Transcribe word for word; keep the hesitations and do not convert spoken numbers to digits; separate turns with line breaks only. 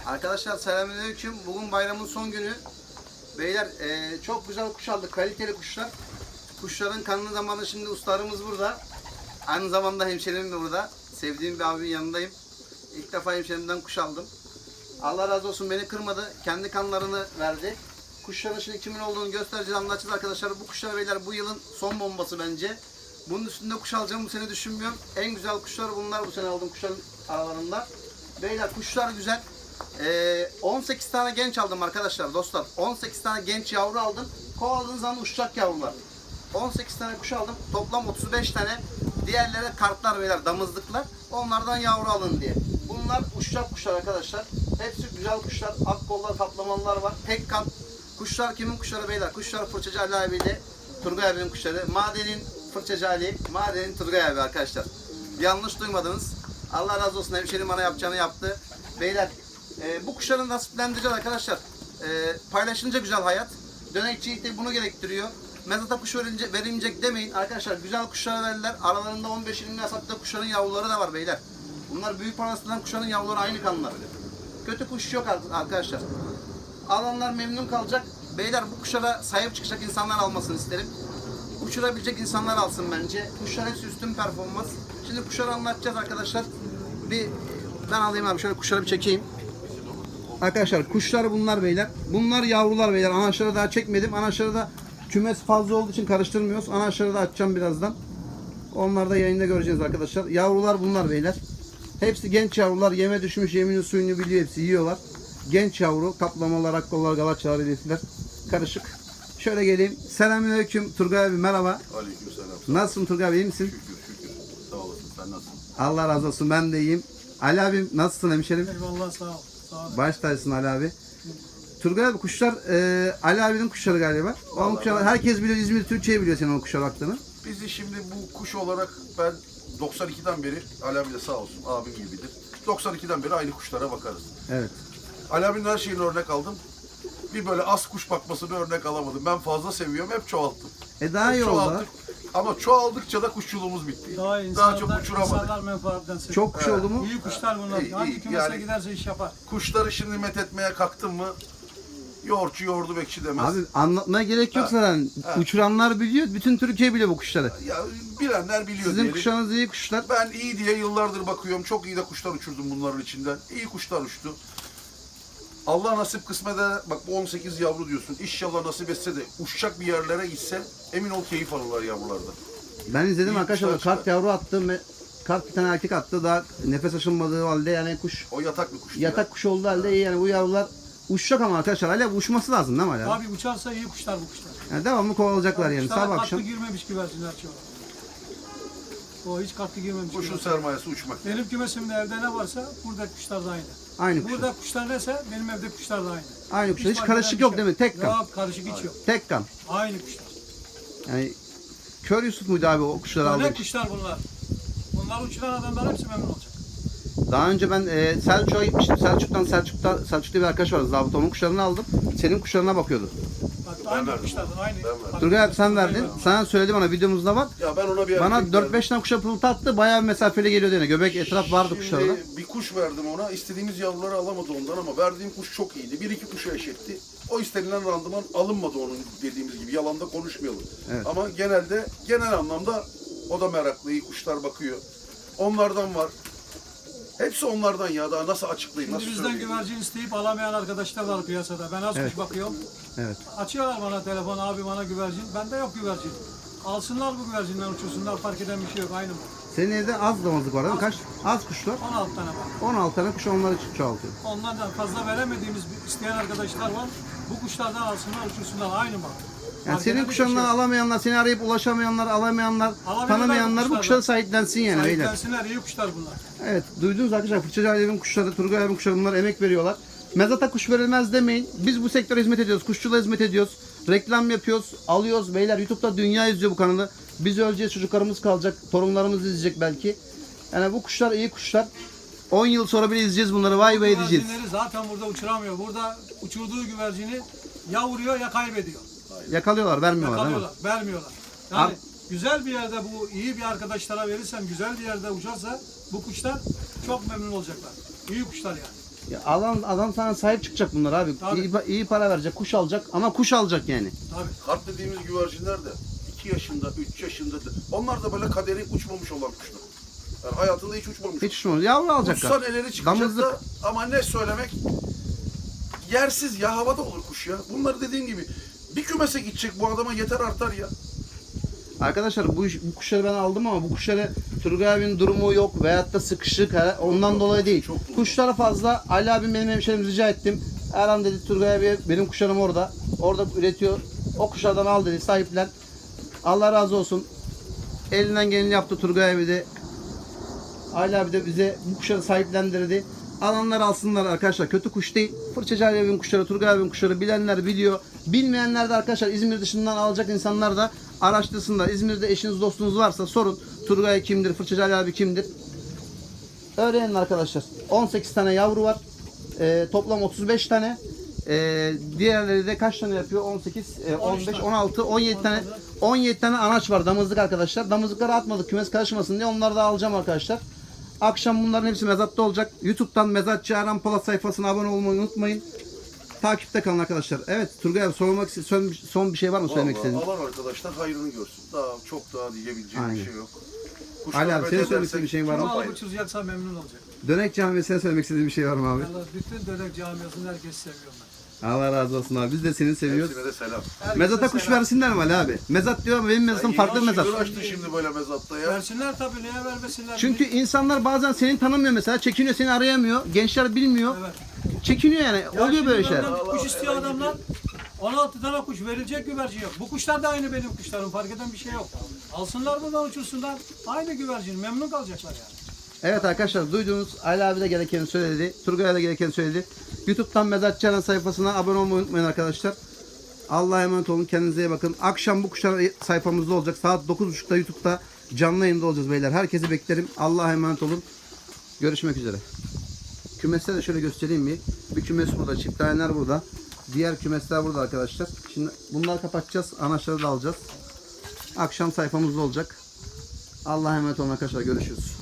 Arkadaşlar selamünaleyküm. Bugün bayramın son günü. Beyler e, çok güzel kuş aldık. Kaliteli kuşlar. Kuşların kanlı zamanı şimdi ustalarımız burada. Aynı zamanda hemşerim de burada. Sevdiğim bir abinin yanındayım. İlk defa hemşerimden kuş aldım. Allah razı olsun, beni kırmadı. Kendi kanlarını verdi. Kuşların şimdi kimin olduğunu göstereceğiz, anlatacağız arkadaşlar. Bu kuşlar beyler bu yılın son bombası bence. Bunun üstünde kuş alacağım bu sene düşünmüyorum. En güzel kuşlar bunlar, bu sene aldığım kuşların aralarında. Beyler kuşlar güzel. Ee, on sekiz tane genç aldım arkadaşlar, dostlar. on sekiz tane genç yavru aldım. Kovaladığınız zaman uçacak yavrular. on sekiz tane kuş aldım. Toplam otuz beş tane. Diğerleri kartlar beyler, damızlıklar. Onlardan yavru alın diye. Bunlar uçacak kuşlar arkadaşlar. Hepsi güzel kuşlar. Ak kollar, kaplamalılar var. Tek kat. Kuşlar kimin kuşları beyler? Kuşlar Fırçacı Ali abiyle Turgay abinin kuşları. Madenin Fırçacı Ali, Madenin Turgay abi arkadaşlar. Yanlış duymadınız. Allah razı olsun, hemşerim bana yapacağını yaptı. Beyler e, bu kuşları nasiplendireceğiz arkadaşlar. E, paylaşınca güzel hayat. Dönekçilik de bunu gerektiriyor. Mezata kuş verilecek, verilmeyecek demeyin. Arkadaşlar güzel kuşlar verdiler. Aralarında on beş yirmi yasakta kuşların yavruları da var beyler. Bunlar büyük parasından kuşların yavruları aynı kanlar. Kötü kuş yok arkadaşlar. Alanlar memnun kalacak. Beyler bu kuşlara sahip çıkacak insanlar almasını isterim. Uçurabilecek insanlar alsın bence. Kuşlar hepsi üstün performans. Şimdi kuşları anlatacağız arkadaşlar. Bir ben alayım abi, şöyle kuşları bir çekeyim. Arkadaşlar kuşlar bunlar beyler. Bunlar yavrular beyler. Anaçları daha çekmedim. Anaçları da kümes fazla olduğu için karıştırmıyoruz. Anaçları da açacağım birazdan. Onları da yayında göreceğiz arkadaşlar. Yavrular bunlar beyler. Hepsi genç yavrular. Yeme düşmüş, yeminin suyunu biliyor, hepsi yiyorlar. Genç yavru. Kaplamalar, akkollar, galaçalar, hedefler. Karışık. Şöyle geleyim. Selamünaleyküm Turgay abi, merhaba.
Aleykümselam.
Nasılsın Turgay abi, iyi misin?
Şükür şükür. Sağ olasın. Sen nasılsın?
Allah razı olsun, ben de iyiyim. Ali abim nasılsın hemşerim?
Eyvallah, sağ ol. Sağ ol.
Baş tacısın Ali abi. Turgay abi kuşlar e, Ali abinin kuşları galiba. O kuşlar, herkes biliyor, İzmir Türkçe'yi biliyor senin o kuşa baktığını.
Bizi şimdi bu kuş olarak ben doksan ikiden beri, Ali abi de sağ olsun abim gibidir. doksan ikiden beri aynı kuşlara bakarız.
Evet.
Ali abinin her şeyini örnek aldım. Bir böyle az kuş bakmasını örnek alamadım. Ben fazla seviyorum, hep çoğalttım.
E daha
Hep
iyi oldu.
çoğalttık. Ama çoğaldıkça da kuşçuluğumuz bitti.
Daha,
Daha
insanlar,
çok uçuramadık.
insanlar menfaatten seviyor.
Çok kuş
Evet.
oldu mu?
İyi kuşlar bunlar.
İyi,
Hangi
iyi.
kümese
Yani-
giderse iş yapar.
Kuşları şimdi met etmeye kalktın mı yoğurtçu yoğurdu bekçi demez.
Abi anlatmaya gerek yok
Ha.
zaten.
Ha.
Uçuranlar biliyor. Bütün Türkiye biliyor bu kuşları.
Ya bilenler biliyor
Sizin
diyelim.
kuşlarınız iyi kuşlar.
Ben iyi diye yıllardır bakıyorum. Çok iyi de kuşlar uçurdum bunların içinden. İyi kuşlar uçtu. Allah nasip kısmede bak bu on sekiz yavru diyorsun. İnşallah nasip etse de uçacak bir yerlere gitse emin ol keyif alırlar yavrularda.
Ben izledim
İyi
arkadaşlar.
kuşlar
Kart yavru attı. me- Kart bir tane erkek attı. Daha nefes açılmadığı halde yani kuş
O yatak bir kuş.
yatak kuşu olduğu halde iyi yani bu yavrular uçacak ama arkadaşlar hala uçması lazım değil mi hala?
Abi uçarsa iyi kuşlar bu kuşlar.
Yani devamlı kovalayacaklar yani
Kuşlara
sabah
katkı
akşam.
girmemiş güvercinler çoğu. O hiç katkı girmemiş
Kuşun
güvercin.
sermayesi uçmak.
Benim kümesimde evde ne varsa buradaki kuşlar da aynı.
Aynı kuşlar.
Burada kuşlar neyse benim evde kuşlar da aynı.
Aynı kuşlar. Hiç
fark
karışık
eden bir
yok
şey
değil mi? Tek kan.
Yok, karışık hiç yok.
Tek kan.
Aynı kuşlar.
Yani Kör Yusuf muydu abi o kuşları aldı?
Örnek kuşlar bunlar. Bunlar uçuran adamlar hepsi memnun olacak.
Daha önce ben e, Selçuk'a gitmiştim. Selçuk'tan Selçuk'ta Selçuk'ta bir arkadaş vardı. Zabıt onun kuşlarını aldım. Senin kuşlarına bakıyordu.
Bak aynı
verdim
kuşlardan aynı.
Ben verdim.
Turgay abi sen verdin. Sana söyledi bana videomuzda var.
Ya ben ona bir
Bana
erkek
dört
verdim.
beş tane kuşa pırıltı attı. Bayağı bir mesafeli geliyordu yine. Göbek etraf vardı
Şimdi
kuşlarda.
bir kuş verdim ona. İstediğimiz yavruları alamadı ondan ama verdiğim kuş çok iyiydi. Bir iki kuşu eşetti. O istenilen randıman alınmadı onun dediğimiz gibi. Yalanda konuşmayalım.
Evet.
Ama genelde genel anlamda o da meraklı. İyi kuşlar bakıyor. Onlardan var. Hepsi onlardan ya. Daha nasıl açıklayayım,
Şimdi
nasıl
bizden
söyleyeyim?
güvercin isteyip alamayan arkadaşlar var piyasada. Ben az
Evet.
kuş bakıyorum.
Evet.
Açıyorlar bana telefon, abi bana güvercin. Bende yok güvercin. Alsınlar bu güvercinden uçursunlar, fark eden bir şey yok, aynı mı?
Senin evde az damızlık var değil mi? Kaç? Az kuş var.
on altı tane var.
on altı tane kuş onları ço- çoğaltıyor.
Onlardan fazla veremediğimiz bir- isteyen arkadaşlar var. Bu kuşlardan alsınlar, uçursunlar, aynı mı?
Yani
Fark
senin
eden bir şey
kuşlarından
yok.
alamayanlar, seni arayıp ulaşamayanlar, alamayanlar,
Alamayanlar
tanımayanlar bu
bu
kuşları
kuşlardan.
sahiplensin yani beyler.
Sahiplensinler, iyi kuşlar bunlar.
Evet, duydunuz arkadaşlar. Fırçacı Ali'nin kuşları, Turgay abinin kuşları bunlar emek veriyorlar. Mezata kuş verilmez demeyin. Biz bu sektöre hizmet ediyoruz. Kuşçuluğa hizmet ediyoruz. Reklam yapıyoruz, alıyoruz. Beyler YouTube'da dünya izliyor bu kanalı. Biz öleceğiz, çocuklarımız kalacak, torunlarımız izleyecek belki. Yani bu kuşlar iyi kuşlar. on yıl sonra bile izleyeceğiz bunları. Vay vay diyeceğiz.
Güvercinleri zaten burada uçuramıyor. Burada uçurduğu güvercini ya vuruyor ya kaybediyor.
Yakalıyorlar, vermiyorlar değil mi?
Yakalıyorlar, vermiyorlar. Yani
Abi-
güzel bir yerde bu iyi bir arkadaşlara verirsen, güzel bir yerde uçarsa bu kuşlar çok memnun olacaklar. İyi kuşlar yani.
Ya adam, adam sana sahip çıkacak bunlar abi.
Tabii.
İyi, iyi para verecek, kuş alacak ama kuş alacak yani.
Tabii.
Kart dediğimiz güvercinler de iki yaşında, üç yaşında da, onlar da böyle kaderi uçmamış olan kuşlar. Yani hayatında hiç uçmamış.
Hiç şunu yavru alacaklar.
Uçsan elleri çıkacak
Damızlık.
da ama ne söylemek, yersiz ya, havada olur kuş ya. Bunları dediğim gibi bir kümese gidecek bu adama yeter artar ya.
Arkadaşlar bu, iş- bu kuşları ben aldım ama bu kuşları Turgay abinin durumu yok veyahut da sıkışık he, ondan
Çok
dolayı değil.
çok doğru.
Kuşlara fazla Ali abim benim hemşerim rica ettim. Erhan dedi Turgay abi benim kuşlarım orada. Orada üretiyor. O kuşlardan al dedi sahiplen. Allah razı olsun. Elinden geleni yaptı Turgay abi de. Ali abi de bize bu kuşları sahiplendirdi. Alanlar alsınlar arkadaşlar. Kötü kuş değil. Fırçacı Ali abinin kuşları, Turgay abinin kuşları bilenler biliyor. Bilmeyenler de arkadaşlar İzmir dışından alacak insanlar da araştırsınlar. İzmir'de eşiniz dostunuz varsa sorun. Turgay kimdir, Fırçacı Ali abi kimdir? Öğrenin arkadaşlar. on sekiz tane yavru var. Ee, toplam otuz beş tane. Ee, diğerleri de kaç tane yapıyor? on sekiz, e, on beş,
tane.
on altı, on yedi tane. on yedi tane anaç var damızlık arkadaşlar. Damızlıkları atmadık kümes karışmasın diye onları da alacağım arkadaşlar. Akşam bunların hepsi mezatta olacak. YouTube'dan Mezatçı Erhan Polat sayfasına abone olmayı unutmayın. Takipte kalın arkadaşlar. Evet Turgay abi sormak son, son bir şey var mı söylemek
Vallahi
istediğin?
alan arkadaşlar hayrını görsün. Daha çok daha diyebileceğim
Aynen.
bir şey yok.
Ali abi, senin
Kuşlar
söylemek istediğin bir şeyin var mı?
Kim
Hayır.
alıp uçuracaksa memnun olacak.
Dönek camiasına söylemek istediğin bir şey var mı abi?
Vallahi bütün dönek camiasını herkes seviyorum ben.
Allah razı olsun abi. Biz de seni seviyoruz.
Hepsine de selam.
Herkese
Mezata kuş
selam.
versinler mi Ali abi? Mezat diyor ama benim mezatım
Ya
farklı
yeni
mezat.
şükür açtı şimdi böyle mezatta ya.
Versinler tabii, niye vermesinler?
Çünkü insanlar bazen seni tanımıyor mesela. Çekiniyor, seni arayamıyor. Gençler bilmiyor.
Evet.
Çekiniyor yani.
Ya
Oluyor
şimdi
böyle şeyler.
benden
Allah
Kuş istiyor
Allah,
adamlar. on altı tane kuş verilecek güvercin yok. Bu kuşlar da aynı benim kuşlarım. Fark eden bir şey yok. Alsınlar buradan uçursunlar. Aynı güvercin. Memnun kalacaklar yani.
Evet arkadaşlar duyduğunuz Ali abi de gerekeni söyledi. Turgay da gerekeni söyledi. YouTube'dan Mezatçı Erhan sayfasına abone olmayı unutmayın arkadaşlar. Allah'a emanet olun. Kendinize iyi bakın. Akşam bu kuşlar sayfamızda olacak. Saat dokuz buçukta YouTube'da canlı yayında olacağız beyler. Herkesi beklerim. Allah'a emanet olun. Görüşmek üzere. Kümesleri de şöyle göstereyim bir. Bir kümes burada. Çift taneler burada. Diğer kümesler burada arkadaşlar. Şimdi bunları kapatacağız. Anaçları da alacağız. Akşam sayfamızda olacak. Allah'a emanet olun arkadaşlar. Görüşürüz.